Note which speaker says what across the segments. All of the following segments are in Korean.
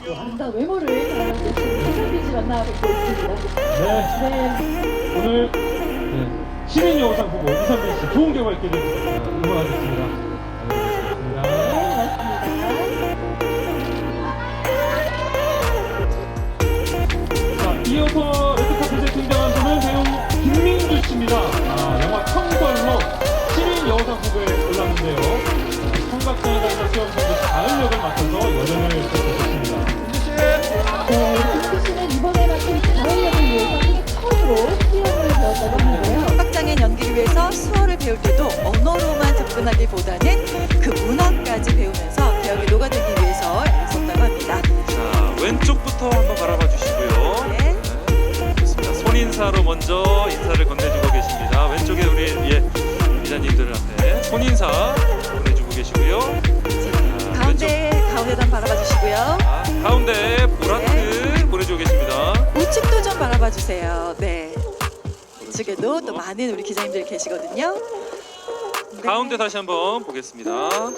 Speaker 1: 아름다운 외모를 자랑하고 계신 이상민 씨 만나 뵙고 있습니다.
Speaker 2: 네. 오늘 시민 여우상 후보 이상민 씨 좋은 결과 있게 되길 응원하겠습니다.
Speaker 1: 네, 고맙습니다.
Speaker 2: 자, 이어서 레드카펫에 등장한 분은 배우 김민주 씨입니다. 영화 청벌로 시민 여우상 후보에 올랐는데요. 청각장애자 수험생들 가을 역을 맡아서 여정을 펼쳤습니다.
Speaker 1: 네, 김수 씨는 이번에 맡은 가을 역을 위해서 처음으로 수영을 배웠다고 하는데요.
Speaker 3: 청각장애인 연기를 위해서 수어를 배울 때도 언어로만 접근하기보다는 그 문화까지 배우면서 배역에 녹아들기 위해서 애썼다고 합니다.
Speaker 4: 자, 왼쪽부터 한번 바라봐 주시고요.
Speaker 3: 네.
Speaker 4: 좋습니다. 손인사로 먼저 인사를 건네주고 계십니다. 왼쪽에 우리 기자님들 앞에 손인사 보내주고 계시고요.
Speaker 3: 가운데도 한번 바라봐 주시고요.
Speaker 4: 가운데 보라트 보내주고 계십니다.
Speaker 3: 우측도 좀 바라봐 주세요. 네. 우측에도 또 많은 우리 기자님들이 계시거든요. 네.
Speaker 4: 가운데 다시 한번 보겠습니다.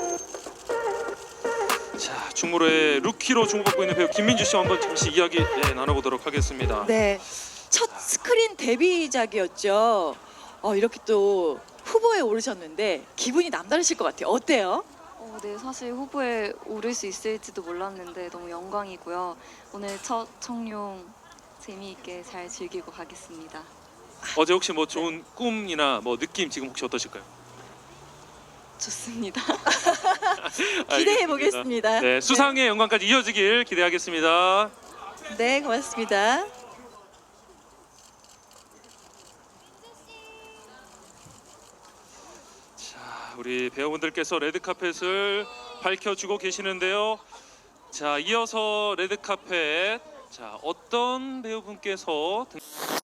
Speaker 4: 자, 충무로의 루키로 주목받고 있는 배우 김민주 씨와 한번 잠시 이야기 나눠보도록 하겠습니다.
Speaker 3: 네. 첫 스크린 데뷔작이었죠. 이렇게 또 후보에 오르셨는데 기분이 남다르실 것 같아요. 어때요?
Speaker 5: 네, 사실 후보에 오를 수 있을지도 몰랐는데 너무 영광이고요. 오늘 첫 청룡 재미있게 잘 즐기고 가겠습니다.
Speaker 4: 어제 혹시 뭐 좋은 꿈이나 뭐 느낌 지금 혹시 어떠실까요?
Speaker 5: 좋습니다.
Speaker 3: 기대해 보겠습니다.
Speaker 4: 네, 수상의 영광까지 이어지길 기대하겠습니다.
Speaker 3: 네, 고맙습니다.
Speaker 4: 자, 우리 배우분들께서 레드카펫을 밝혀주고 계시는데요. 자, 이어서 레드카펫, 자, 어떤 배우분께서